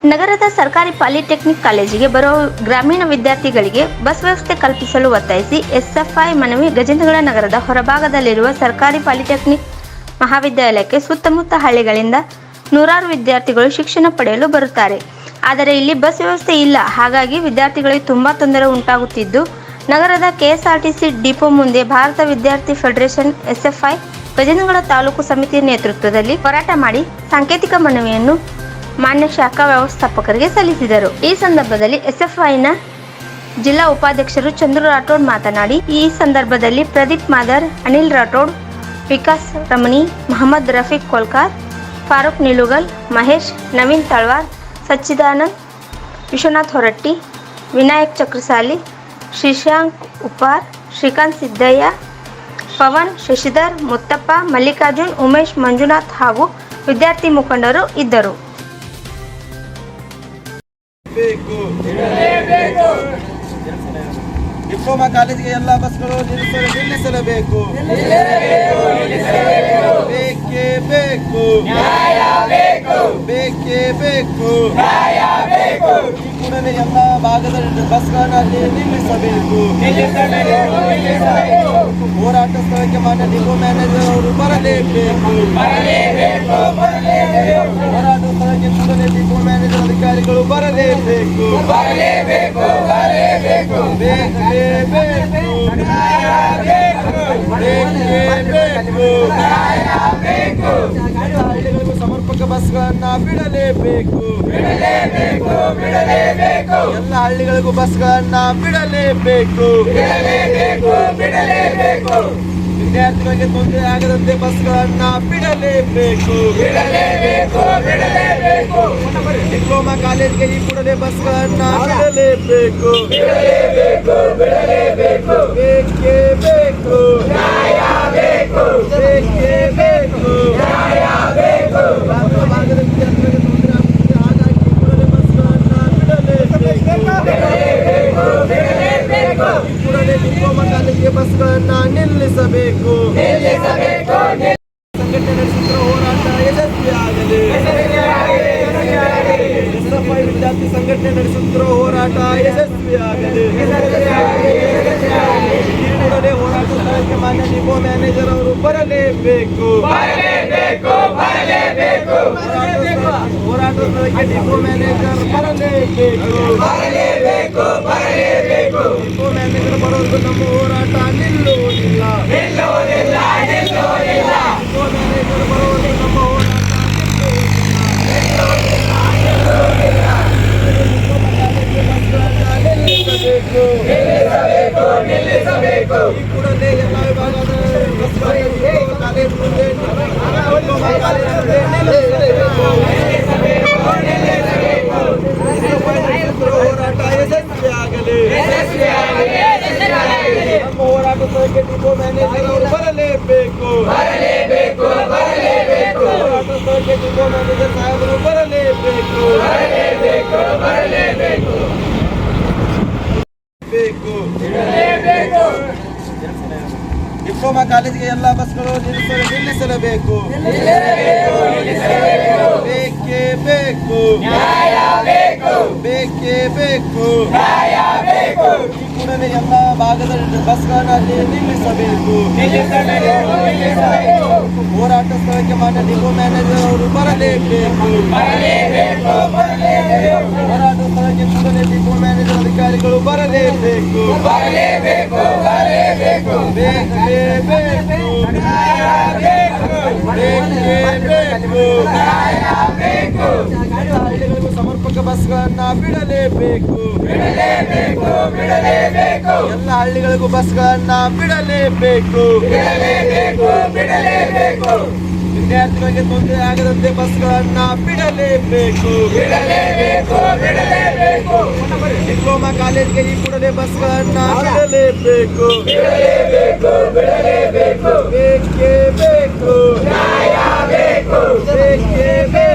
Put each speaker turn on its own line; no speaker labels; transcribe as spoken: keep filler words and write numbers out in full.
ನಗರದ ಸರ್ಕಾರಿ ಪಾಲಿಟೆಕ್ನಿಕ್ ಕಾಲೇಜಿಗೆ ಬರುವ ಗ್ರಾಮೀಣ ವಿದ್ಯಾರ್ಥಿಗಳಿಗೆ ಬಸ್ ವ್ಯವಸ್ಥೆ ಕಲ್ಪಿಸಲು ಒತ್ತಾಯಿಸಿ ಎಸ್ಎಫ್ಐ ಮನವಿ. ಗಜೇಂದ್ರಗಡ ನಗರದ ಹೊರಭಾಗದಲ್ಲಿರುವ ಸರ್ಕಾರಿ ಪಾಲಿಟೆಕ್ನಿಕ್ ಮಹಾವಿದ್ಯಾಲಯಕ್ಕೆ ಸುತ್ತಮುತ್ತ ಹಳ್ಳಿಗಳಿಂದ ನೂರಾರು ವಿದ್ಯಾರ್ಥಿಗಳು ಶಿಕ್ಷಣ ಪಡೆಯಲು ಬರುತ್ತಾರೆ. ಆದರೆ ಇಲ್ಲಿ ಬಸ್ ವ್ಯವಸ್ಥೆ ಇಲ್ಲ. ಹಾಗಾಗಿ ವಿದ್ಯಾರ್ಥಿಗಳಿಗೆ ತುಂಬಾ ತೊಂದರೆ ಉಂಟಾಗುತ್ತಿದ್ದು, ನಗರದ ಕೆಎಸ್ಆರ್ಟಿಸಿ ಡಿಪೋ ಮುಂದೆ ಭಾರತ ವಿದ್ಯಾರ್ಥಿ ಫೆಡರೇಷನ್ ಎಸ್ಎಫ್ಐ ಗಜೇಂದ್ರಗಡ ತಾಲೂಕು ಸಮಿತಿಯ ನೇತೃತ್ವದಲ್ಲಿ ಹೋರಾಟ ಮಾಡಿ ಸಾಂಕೇತಿಕ ಮನವಿಯನ್ನು ಮಾನ್ಯ ಶಾಖಾ ವ್ಯವಸ್ಥಾಪಕರಿಗೆ ಸಲ್ಲಿಸಿದರು. ಈ ಸಂದರ್ಭದಲ್ಲಿ ಎಸ್ಎಫ್ಐನ ಜಿಲ್ಲಾ ಉಪಾಧ್ಯಕ್ಷರು ಚಂದ್ರು ರಾಠೋಡ್ ಮಾತನಾಡಿ, ಈ ಸಂದರ್ಭದಲ್ಲಿ ಪ್ರದೀಪ್ ಮಾದರ್, ಅನಿಲ್ ರಾಠೋಡ್, ವಿಕಾಸ್ ರಮಣಿ, ಮಹಮ್ಮದ್ ರಫೀಕ್ ಕೋಲ್ಕಾರ್, ಫಾರೂಕ್ ನಿಲುಗಲ್, ಮಹೇಶ್, ನವೀನ್ ತಳ್ವಾರ್, ಸಚ್ಚಿದಾನಂದ್, ವಿಶ್ವನಾಥ್ ಹೊರಟ್ಟಿ, ವಿನಾಯಕ್ ಚಕ್ರಸಾಲಿ, ಶ್ರೀಶಾಂಕ್ ಉಪ್ಪಾರ್, ಶ್ರೀಕಾಂತ್ ಸಿದ್ದಯ್ಯ, ಪವನ್, ಶಶಿಧರ್, ಮುತ್ತಪ್ಪ, ಮಲ್ಲಿಕಾರ್ಜುನ್, ಉಮೇಶ್, ಮಂಜುನಾಥ್ ಹಾಗೂ ವಿದ್ಯಾರ್ಥಿ ಮುಖಂಡರು ಇದ್ದರು.
ಡಿಪ್ಲೊಮಾ ಕಾಲೇಜಿಗೆ ಎಲ್ಲ ಬಸ್ಗಳು ನಿಲ್ಲಿಸಲೇಬೇಕು. ಬೇಕೇ ಬೇಕು, ಬೇಕೇ ಬೇಕು. ಈ ಕೂಡಲೇ ಎಲ್ಲ ಭಾಗದ ಬಸ್ಗಳನ್ನು ನಿಲ್ಲಿಸಬೇಕು. ಹೋರಾಟ ಸ್ಥಳಕ್ಕೆ ಮಾನ್ಯ ಡಿಪೋ ಮ್ಯಾನೇಜರ್ ಅವರು ಬರಲೇಬೇಕು. ಹೋರಾಟ ಸ್ಥಳಕ್ಕೆ ಕೂಡಲೇ ಡಿಪೋ ಮ್ಯಾನೇಜರ್ ಅಧಿಕಾರಿಗಳು ಬರಲೇಬೇಕು. ಬೇಕೇ ಬೇಕು, ಹಳ್ಳಿಗಳಿಗೂ ಸಮರ್ಪಕ ಬಸ್ಗಳನ್ನ ಬಿಡಲೇಬೇಕು. ಎಲ್ಲ ಹಳ್ಳಿಗಳಿಗೂ ಬಸ್ಗಳನ್ನ ಬಿಡಲೇಬೇಕು. ವಿದ್ಯಾರ್ಥಿಗಳಿಗೆ ತೊಂದರೆ ಆಗದಂತೆ ಬಸ್ಗಳನ್ನ ಬಿಡಲೇಬೇಕು. ಡಿಪ್ಲೊಮಾ ಕಾಲೇಜ್ಗೆ ಈ ಕೂಡಲೇ ಬಸ್ಗಳನ್ನ ಬಿಡಲೇಬೇಕು. ಬೇಕೇ ಬೇಕು, ಬೇಕೇ ಬೇಕು. ಗ್ರಾಮೀಣ ಭಾಗದ ವಿದ್ಯಾರ್ಥಿಗಳಿಗೆ ತೊಂದರೆ ಆಗುತ್ತಿದೆ. ಹಾಗಾಗಿ ಈ ಕೂಡಲೇ ಬಸ್ಗಳನ್ನ ಬಿಡಲೇಬೇಕು. ಈ ಕೂಡಲೇ ಡಿಪ್ಲೊಮಾ ಕಾಲೇಜಿಗೆ ಬಸ್ಗಳನ್ನ ನಿಲ್ಲಿಸಬೇಕು. ಸಂಘಟನೆ ನಡೆಸುತ್ತಿರುವ ಹೋರಾಟ ಯಶಸ್ವಿಯಾಗಲಿ. ಎಸ್ಎಫ್ಐ ವಿದ್ಯಾರ್ಥಿ ಸಂಘಟನೆ ನಡೆಸುತ್ತಿರುವ ಹೋರಾಟ ಯಶಸ್ವಿಯಾಗಲಿ. ಈ ಕೂಡಲೇ ಹೋರಾಟ ಸ್ಥಳಕ್ಕೆ ಮಾನ್ಯ ಡಿಪೋ ಮ್ಯಾನೇಜರ್ ಅವರು ಬರಲೇಬೇಕು. ಹೋರಾಟ ಸ್ಥಳಕ್ಕೆ ಡಿಪೋ ಮ್ಯಾನೇಜರ್ ಬರಲೇಬೇಕು. ಡಿಪೋ ಮ್ಯಾನೇಜರ್ ಬರೋದು ನಮ್ಮ ಹೋರಾಟ ನಿಲ್ಲುವುದಿಲ್ಲ. ಡಿಪೋ ಮ್ಯಾನೇಜರ್ ಬರೋದು ನಮ್ಮ ಹೋರಾಟ ನಿಲ್ಲಿಸಬೇಕು. ಈ ಕೂಡಲೇ ಎಲ್ಲ ವಿಭಾಗದ ಕಾಲೇಜ್ ಮುಂದೆ ಹೋರಾಟ ಯಶಸ್ವಿಯಾಗಲಿ. ನಮ್ಮ ಹೋರಾಟ ಸ್ಥಳಕ್ಕೆ ಡಿಪೋ ಮ್ಯಾನೇಜರ್ ಅವರು ಬರಲೇಬೇಕು. ಹೋರಾಟ ಸ್ಥಳಕ್ಕೆ ಡಿಪೋ ಮ್ಯಾನೇಜರ್ ಸಾಹೇಬರು ಬರಲೇಬೇಕು. ಡಿಪ್ಲೊಮಾ ಕಾಲೇಜಿಗೆ ಎಲ್ಲ ಬಸ್ಗಳು ನಿಲ್ಲಿಸಲೇಬೇಕು. ಬೇಕೇ ಬೇಕು, ಬೇಕೇ ಬೇಕು. ಈ ಕೂಡಲೇ ಎಲ್ಲ ಭಾಗದ ಬಸ್ಗಳನ್ನು ನಿಲ್ಲಿಸಬೇಕು. ಹೋರಾಟ ಸ್ಥಳಕ್ಕೆ ಮಾನ್ಯ ಡಿಪೋ ಮ್ಯಾನೇಜರ್ ಅವರು ಬರಲೇಬೇಕು. ಹೋರಾಟ ಸ್ಥಳಕ್ಕೆ ಕೂಡಲೇ ಡಿಪೋ ಮ್ಯಾನೇಜರ್ ಅಧಿಕಾರಿಗಳು ಬರಲೇಬೇಕು. ಬೇಕೇ ಬೇಕು, ಹಳ್ಳಿಗಳಿಗೂ ಸಮರ್ಪಕ ಬಸ್ಗಳನ್ನ ಬಿಡಲೇಬೇಕು. ಎಲ್ಲ ಹಳ್ಳಿಗಳಿಗೂ ಬಸ್ಗಳನ್ನ ಬಿಡಲೇಬೇಕು. ವಿದ್ಯಾರ್ಥಿಗಳಿಗೆ ತೊಂದರೆ ಆಗದಂತೆ ಬಸ್ಗಳನ್ನ ಬಿಡಲೇಬೇಕು. ಡಿಪ್ಲೊಮಾ ಕಾಲೇಜ್ಗೆ ಈ ಕೂಡಲೇ ಬಸ್ಗಳನ್ನ ಬಿಡಲೇಬೇಕು. ಬೇಕೇ ಬೇಕು, ಬೇಕೇ ಬೇಕು.